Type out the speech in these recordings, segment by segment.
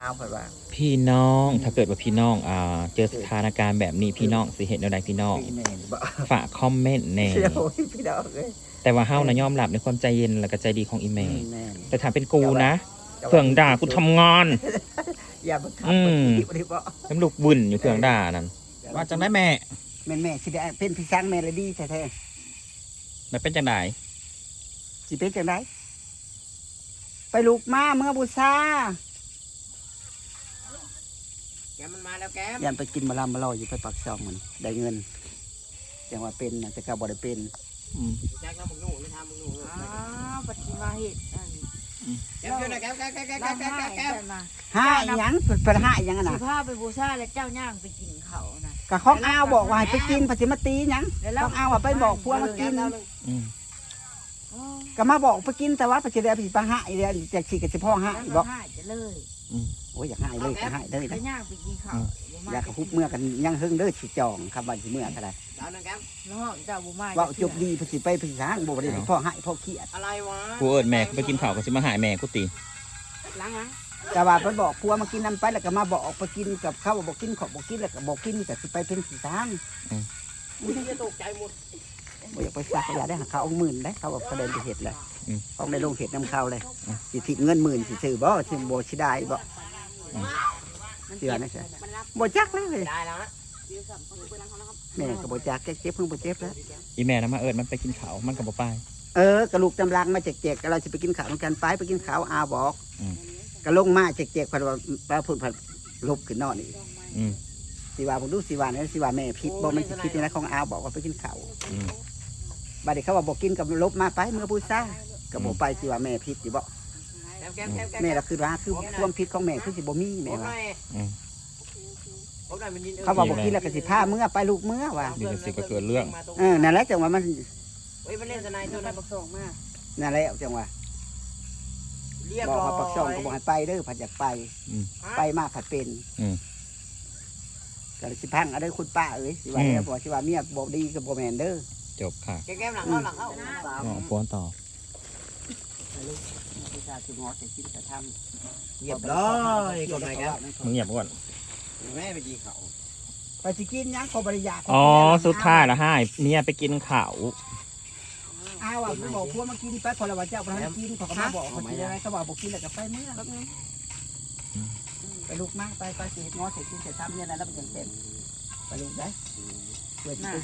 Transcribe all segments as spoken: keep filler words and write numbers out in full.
เอาไปว่าพี่น้องถ้าเกิดว่าพี่น้องอ่าเจอสถานการณ์แบบนี้พี่น้องสิเห็นอะไรพี่น้องฝากคอมเมนต์แน่พี่น้องเลยแต่ว่าเฮานะยอมรับในความใจเย็นและก็ใจดีของอีเมลแม่แต่ถ้าเป็นกูนะเพื่องด่ากูทำงานอย่ามาทำอืมมันดีบ่น้ำลูกบุญอยู่เพื่องด่านั่นว่าจังได้แม่แม่แม่สิได้เป็นพี่ช้างแม่เลยดีแท้มันเป็นจังไดๆสิเป็นจังไดไปลูกมาเมื่อบูชาแกมันมาแล้วแกยันไปกินมาลามาลอยอยู่ไปปักซองมันได้เงินแต่ว่าเป็นนะแต่ก็บ่ได้เป็นแจ็คน้ำมึงหนูไม่ทำมึงหนูอ้าวปฏิมาเหตุอันแก้วนะแก้วแก้วแก้วแก้วแก้วแก้วแก้วห้ายังเป็นห้ายังสินะพาไปบูชาและเจ้าย่างไปกินเขานะกะข้องอ้าวบอกว่าให้ไปกินปฏิมาตียังข้องอ้าวว่าไปบอกพวกมากินก็มาบอกไปกินแต่ว่าปฏิเดียผิดปะห้าอีเดียจากฉีกกับสิพ่อห้าบอกจะเลยโอ้ยอยากให้เลยอยากให้เลยนะย่างไปกินเขาอยากคุบเมื่อกันยังหึ่งเด้อสิจองคำบันสิเมื่ออะไรน้องเจ้าบุมาว่าจบดีภาษีไปภาษีช้างบ่ได้พ่อให้พ่อเครียดอะไรวะกูเอิญแม่ไปกินข้าวก็สิมาหายแม่กูตีล้างล้างแต่ว่าไปบอกพัวมากินน้ำไปแล้วก็มาบอกไปกินกับข้าวบอกกินขอบบอกกินแล้วก็บอกกินแต่สิไปเป็นสีช้างมึงจะตกใจหมดบ่อยากไปซักอยากได้เขาเอาหมื่นได้เขาแบบเขาเดินไปเห็ดเลยเขาในโรงเห็ดน้ำข้าวเลยสิทิเงินหมื่นสิซื้อบ่สิบ่สิได้บ่เชื่อนะใช่บ่จักเลยได้แล้วนะแม่ก็บ่จักแกเจ็บเพิ่งบ่เจ็บแล้วอีแม่นะมาเอิญมันไปกินข้าวมันก็บ่ไปเออกระลูกจำลังมาแจกๆเราจะไปกินข้าวกันไปไปกินข้าวอาบอกกระลงมาแจกๆพันว่าปลาพุ่นพันลบขึ้นนอนนี่สิว่าผมดูสิว่าเนี่ยสิว่าแม่พิษบอกมันพิษนี่นะของอาบอกว่าไปกินข้าวบัดนี้เขาว่าบอกกินกับลบมาไปเมื่อพูดซ่ากับบอกไปสิว่าแม่พิษสิบอกแม่เราคือว่าคือความพิษของแม่คือสิบ่มีแม่ว่าเขาบอกบอกกินแล้วก็สิผ้าเมื่อไปลูกเมื่อว่านี่ก็สิก็เกิดเรื่องเออนั่นแหละจังว่ามันเฮ้ยมันเล่นสไนตัวนั้นปักส่งมากนั่นแหละจังว่าบอกว่าปักส่งก็บอกให้ไปเด้อผัดอยากไปไปมากผัดเป็นก็สิพังอะไรคุณป้าเอ้ยสิว่าเนี่ยบอกสิว่าเมียบอกดีกับบอกแมนเด้อจบค่ะแก้มหลังเข้าหลังเข้าหมอป้อนต่อลูกผู้ชายคืองอจะกินจะทำเงียบเลยกดไหนครับมึงเงียบก่อนแม่ไปกินเขาไปสิกินยังขอบริยาอ๋อสุดท้ายละให้เมียไปกินข้าวอ้าวไม่บอกพวกมากินไปพอเราว่าเจ้าไปกินเขาก็มาบอกเขากินอะไรเขาบอกบอกกินแล้วก็ไปเมื่อไปลูกมากไปไปสิงอเสร็จกินเสร็จทำเนี่ยนะแล้วมันยังเต็มไปลูกได้เปิดไป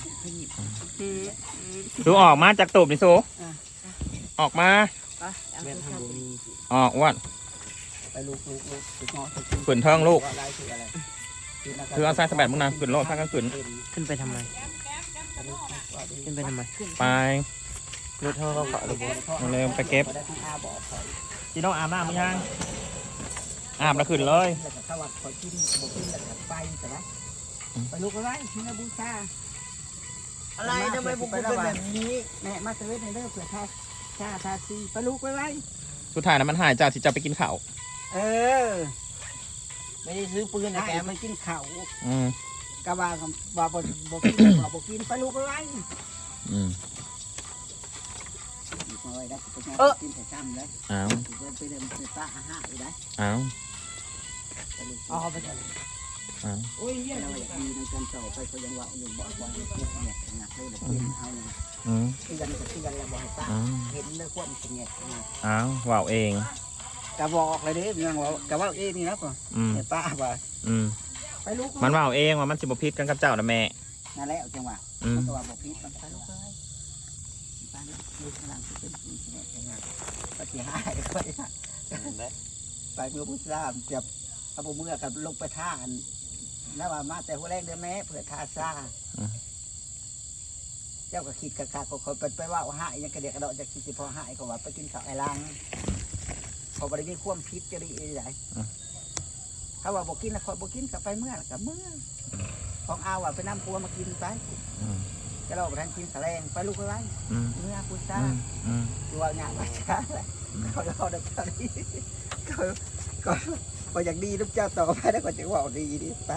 สูออกมาจากตูบนี่สูออกมาออกวัดไปลูกลูกลูกงอเสร็จขืนท้องลูกคือเอาไส้สะบัดมึงนะขืนโลดข้างกันขืนขึ้นไปทำไมขึ้นไปทำไมไปรถเท่าเขาเขาเลยเร็วไปเก็บจีโน่อาบน้ำมั้ยยังอาบแล้วขึ้นเลยถ้าว่าขอกินบอกกินแล้วไปแต่ละไปลูกอะไรที่นาบูชาอะไรทำไมบุกเป็นแบบนี้แม่มาเซเว่นในเรื่องเผื่อทาชาทาซีไปลูกไปไว้สุดท้ายนะมันหายจากที่จะไปกินข้าวเออไม่ได้ซื้อปืนนะแกไม่กินข้าวอืมกะว่าว่าบอกบอกกินบอกกินไปลูกไปไว้อืมเออกินแต่จำเลยอ้าวไปเดินไปป้าอาหารเลยได้อ้าวอ๋อไปเถอะอ้าวโอ้ยเยี่ยมเลยดีในการต่อไปเขายังว่าอยู่บ่อยๆเนี่ยเนี่ยหนักเลยเลยเอาเนี่ยอืมที่กันที่กันแล้วบอกให้ป้าเห็นเลยควบมันเนี่ยอ้าวว่าวเองกะบอกเลยเด้ยังว่ากะว่าเองนี่นะป่ะเนี่ยป้าว่าอืมไปลูกมันว่าวเองว่ามันสิบพิษกันกับเจ้านะแม่นั่นแหละจังหวะมันก็ว่าบอกพิษมันไปลูกเลยป้าลูกกำลังเป็นเนี่ยจังหวะปฏิหารก็ได้ไปเมื่อพุทธรามจับเอาเมื่อกับลงไปท่าแล้วว่ามาแต่หัวแรงเดือนแม่เผื่อท่าซ่าเจ้าก็คิดกะกะก็คนไปไปว่าหายยังกระเดียกกระโดดจะคิดสิพอหายก็ว่าไปกินข้าวไอ้ลังเขาบริมีความพิษจะดีอะไรเขาว่าบอกกินแล้วคอยบอกกินกับไปเมื่อกับเมื่อของเอาว่าไปน้ำปัวมากินไปจะเราไปทานกินแสลงไปลูกไปไว้เมื่อพุทธาตัวงานมาช้าเลยเขาเราดับตอนนี้ก็ก็ก็อย่างดีลูกเจ้าต่อไปแล้วก็จะว่าดีดีไป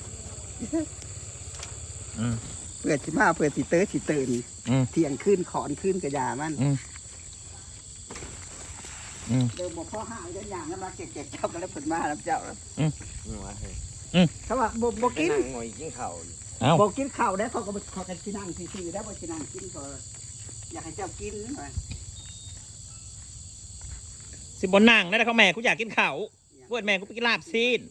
เพื่อสิมาเพื่อสิเตอร์สิตื่นเที่ยงขึ้นขอนขึ้นกระยามันอืมเดิมบอกพ่อห้าเดินอย่างนั้นมาเก็บเก็บเจ้ากันแล้วผลมาแล้วเจ้าแล้วหัวเฮ้ยเขาว่าบ่บ่กินนั่งงอยกินข้าวอยู่เอ้าบ่กินข้าวได้เขาก็บ่เขากันที่นั่งซื่อๆได้บ่ที่นั่งกินก็อยากให้เจ้ากินว่าสิบนนั่งได้เขาแม่กูอยากกินข้าวเพื่อนแม่กูไปกินลาบซีน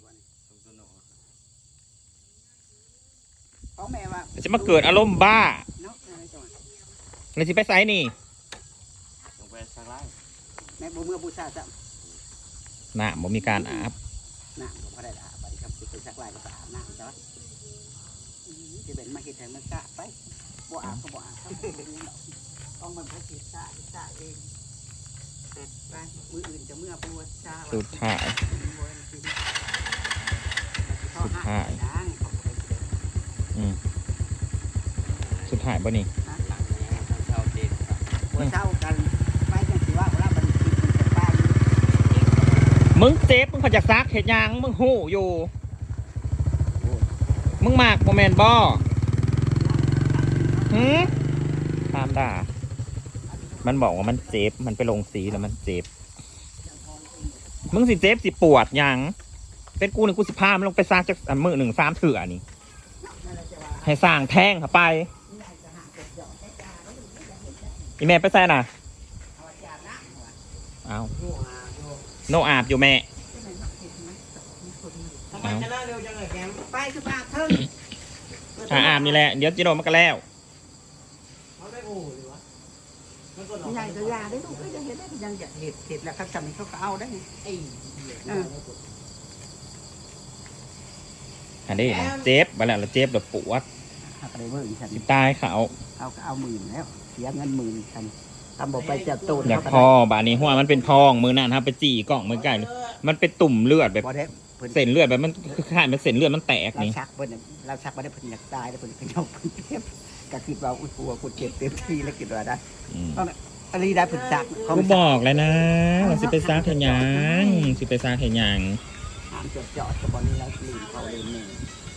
เขาแม่ว่าเดี๋ยวจะมาเกิดอารมณ์บ้าเนาะอะไรจังหวะเลยสิไปไซนี่ลงไปสักไล่แม่บ่เมื่อบูชาจ้ะน่ะบ่มีการอาบน้ำก็บ่ได้อาบบัดนี้ครับสิไปสักลายก็อาบน้ำจ้ะอือสิเป็นมาเฮ็ดให้มันสะไปบ่อาบก็บ่อาบครับต้องมันพระสิสะสะเองไปมืออื่นจะเมื่อบูชาสุดท้าย สุดท้าย อืมสุดท้ายบ่นี่หลังนี้ทางเช้าเจ็ดหัวเช้ากันไปจังสิว่าเวลามันกินมันจะไปมึงเจ็บมึงพอจากซักเห็ดหยังมึงหู้อยู่ มึงมากโมแมนบอหืมตามด่า มันบอกว่ามันเจ็บ มันไปลงสีแล้วมันเจ็บ มึงสิเจ็บสิปวดหยัง เป็นกูหนึ่งกูสิพามันลงไปซักจากอันมือหนึ่งสามเถื่อนี่ ให้สร้างแท่งเข้าไป อีแม่ไปแซ่น่ะ เอาโนอาบอยู่แม่ทำไมจะเล่าเร็วจังเลยแกมไปคือปากเถิงถ้าอาบนี่แหละ เดี๋ยวจิโนมันก็แล้วใหญ่ก็ยาได้ลูกก็ยังเห็นได้ยังอยากเห็ดเห็ดแล้วเขาทำให้เขาก็เอาได้ไงเอออันนี้นะเจ็บไปแล้วแล้วเจ็บแบบปวดหักอะไรเบอร์อีกฉันสิตายเขาเอาก็เอาหมื่นแล้วเสียเงินหมื่นฉันทำบอกไปจับตูนอยากพอบาดนี้หัวมันเป็นพองมือนั่นครับไปจี่กล่องมือไก่มันเป็นตุ่มเลือดแบบบ่ได้เพิ่นเส้นเลือดแบบมันคือขาดเป็นเส้นเลือดมันแตกเรานี่ชักเพิ่นน่ะเราชักบ่ได้เพิ่นอยากตายแล้วเพิ่นก็ยกเพิ่นเจ็บก็คิดว่าอุ้ยปัวกูเจ็บเต็มที่แล้วคิดว่าได้อืมอันนี้ได้เพิ่นชักกูบอกแล้วนะว่าสิไปซักเห็นยังสิไปซักเห็นยังห้ามจอดจอดกับบอลนี้แล้วลืมเขาลืมนี่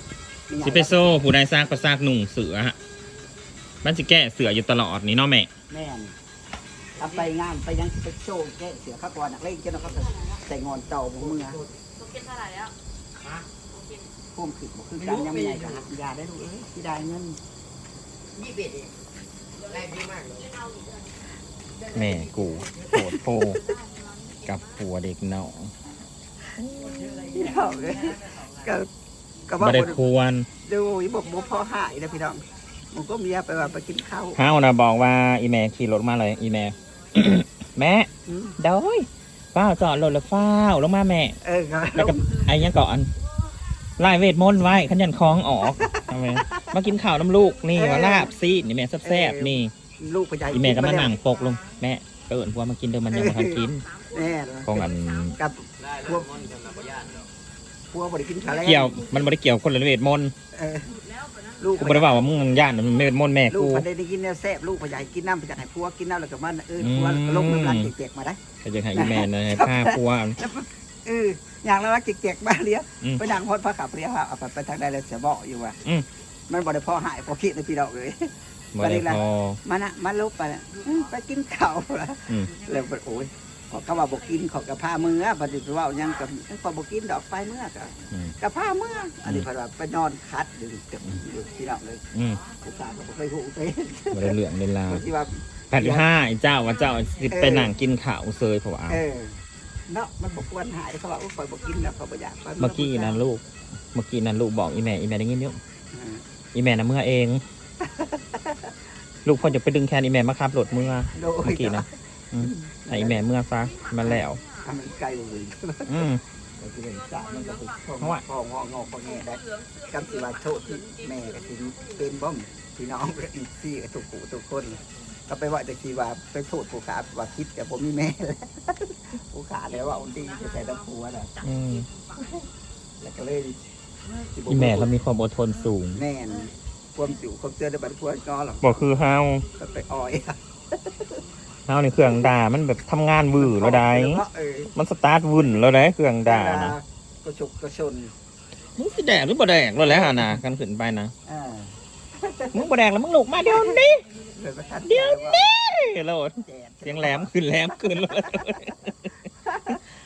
สิไปโซ่ผู้ใดซักก็ซักหนุ่งเสือฮะมันสิแก้เสืออยู่ตลอดนี่เนาะแม่แม่นทำไปงานไปยังสิไปโชว์แก้เสือข้าวก่อนนักเล่นเจ้าเขาใส่งอนเต่าบุมือตัวกินเท่าไหร่แล้วพุ่มขึ้นบ่คือกันยังไม่ใหญ่ก็หักยาได้ลูกเอ้ยที่ได้เงินยี่สิบเอ็ดเองได้ดีมากเลยแม่กูโหดโพกับผัวเด็กน้องพี่น้องเลยก็ก็ว่าบ่ได้ควรดูอีบอกบ่พอหายนะพี่น้องมันก็เมียไปว่าไปกินข้าวเฮานะบอกว่าอีแม่ขี่รถมาเลยอีแม่ แม่อืมเด้อยฟ้าวจอดรถแล้วฟ้าวลงมาแม่เออก็แล้วก็ไอ้ยังก่อนไล่เวทมนต์ไว้ขันยันคล้องออกทำไมมากินข้าวน้ำลูกนี่ว่าลาบซีดนี่แม่แซ่บๆนี่ลูกไปใหญ่อีแม่ก็มานั่งปกลงแม่เอิญพัวมากินเดิมมันยังมาทันกินแน่ของอันกับได้พพววกกมันจะมาประหยัดเนาะพวกบ่ได้กินข้าวแล้วเกี่ยวมันไม่ได้เกี่ยวคนละเวทมนต์เออลูกกูไม่ได้ว่าว่ามึงย่านมันเวทมนต์แม่ลูกกูพอได้กินเนี่ยแซ่บลูกพอใหญ่กินน้ำไปจากไหนพัวกินน้ำแล้วก็มันเอออืมพัวลงน้ำลายเจ๊กๆมาได้ก็จะให้อีแม่นะให้ผ้าพัวเอออย่างละรักเจ๊กๆมาเลี้ยอืมไปนั่งฮอดพระขับเลี้ยเอาไปไปทางใดแล้วจะบอกอยู่ว่าอืมมันบ่ได้พอหายพอคิดในพี่ดอกเลยบ่ได้พอมันอะมันลุกไปน่ะอืมไปกินข้าวละอืมแล้วไปโอ้ยขอเขาว่าบอกกินขอกระพามือปฏิบัติว่ายังกับขอบอกกินดอกไฟเมื่อกับอืมกระพาเมื่ออันนี้เพราะว่าไปนอนคัดอยู่เกับอยู่ที่เราเลยอืมอุตส่าห์ก็บ่ไปหูไปบ่ได้เหลืองเลยลาวที่ว่าแปดห้าไอ้เจ้าว่าเจ้าสิไปนั่งกินข้าวเซยเพราะว่าเออเนาะมันบอกควรหายเขาว่าอุ้ยคอยบอกกินแล้วเขาบอกอยากไปเมื่อกี้นั้นลูก เมื่อกี้นั้นลูกบอกอีแม่อีแม่ได้ยินอยู่เอออีแม่นะเมื่อเอง ลูกพ่อจะไปดึงแคนอีแม่มาขับรถเมื่อโดเมื่ยอกี้นะอืมให้อีแม่เมื่อซะมาแล้วทำมันไกลเลยอืมแต่ที่เป็นจ่ามันก็เป็นพ่อเพราะว่าพ่ององอพ่อแง่ได้กำสิว่าโทษที่แม่ก็ถึงเป็นบ้อมพี่น้องก็อีกซี่กับทุกผู้ทุกคน ก็ไปว่าจะคีว่าไปโทษผู้ขาว่าคิดแต่ผมมีแม่แล้วผู้ขาแล้วว่าอุ่นดีจะแต่ละผัวน่ะอืมแล้วก็เลยอีแม่ก็มีความอดทนสูงแน่นความสิวความเจอในบัตรผัวงอหรอกบอกคือเฮาก็ไปอ้อยเฮาในเครื่องด่ามันแบบทำงานวื้อแล้วได้เออมันสตาร์ทวุ่นแล้วได้เครื่องด่านะก็ฉกก็ชนมึงสิแดกหรือบ่แดกแล้วแหละฮะนะกันขึ้นไปนะอ่ามึงบ่แดกแล้วมึงลุกมาเดี๋ยวนี้เลยประทันเดี๋ยวนี้โลดแจกเสียงแหลมขึ้นแหลมขึ้นเลย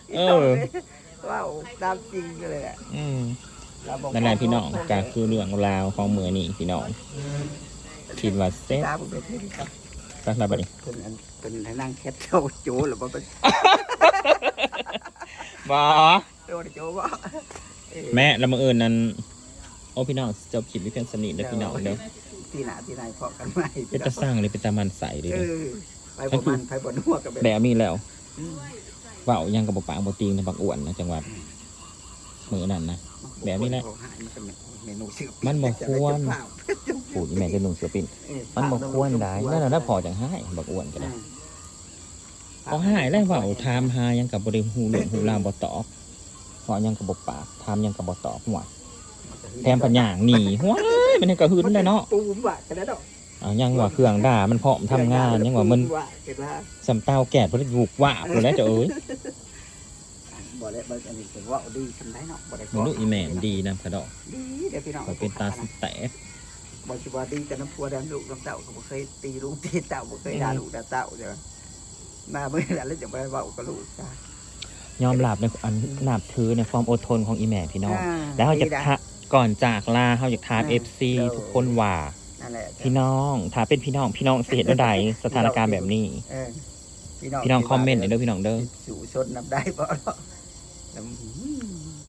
เออว้าวตามจริงเลยแหละอืมเราบอกนั่นแหละพี่น้องก็คือเรื่องราวของมือนี่พี่น้องคิดว่าเซ็ตตามเป็นที่ครับสักระบัดนี้เป็นอันเป็นให้นั่งแคทเจ้าโจ้หรือว่าเป็นบอโจ้โจ้ว่าแม่ละมืออื่นนั้นโอ้พี่น้องจบคลิปวิเพียงสนิทเด้อพี่น้องเด้อที่หนาที่ไหนพอกันไหมเป็นตาสร้างเลยเป็นตามันใสเลยเอเด้ออไปบ่มันไปบ่นัวกันแบบแบบนี้แล้วอืมเว้ายังกับบ่ปากบ่ตีงในบักอ้วนนะจังหวัดมือนั่นนะ แบบนี้แหละเมนูชื่อมันบ่ควร ปู่อีแม่จะนุ่งเสือปิ้นมันบ่ควรได้นั่นน่ะถ้าพอจังให้บักอ้วนก็ได้พอหายแล้วเว้าถามหายังกับบ่ได้ฮู้เรื่องฮู้ราวบ่ตอบพอยังกับบ่ปากถามยังกับบ่ตอบหัวแถมปัญญางหนีหัวเลยมันให้กระหึ่นได้เนาะปูมว่ะกันแล้วดอกอ่ายังว่าเครื่องด่ามันพร้อมทำงานยังว่ามันว่ะเกิดว่าสำเตาแก่บ่ได้บุกว่าบแล้วเจ้าเอ้ยบ่ได้บ่อันนี้ถือว่าดีทำได้เนาะบ่ได้มันลูกอีแม่มันดีนะพะดอกดีเดี๋ยวพี่น้องก็เป็นตาสิแตกบ่สิว่าดีแต่น้ำพัวดันลูกน้ำเต่าก็บ่เคยตีลูกตีเต่าบ่เคยด่าลูกด่าเต่าเด้อมาเมื่อนั้นแล้วจะไปเว้ากับลูกจ้ะยอมรับในอันนับถือในความอดทนของอีแม่พี่น้องอ่าแล้วเขาจะดีนะทะก่อนจากลาเขาจะทามอ่าเอฟซีเดี๋ยวทุกคนว่านั่นแหละพี่น้องถ้าเป็นพี่น้องพี่น้องเสียดใดสถานการณ์แบบนี้เออพี่น้องคอมเมนต์หน่อยเด้อพี่น้องเด้อสู่ชนนับได้บ่เนาะแล้วหืม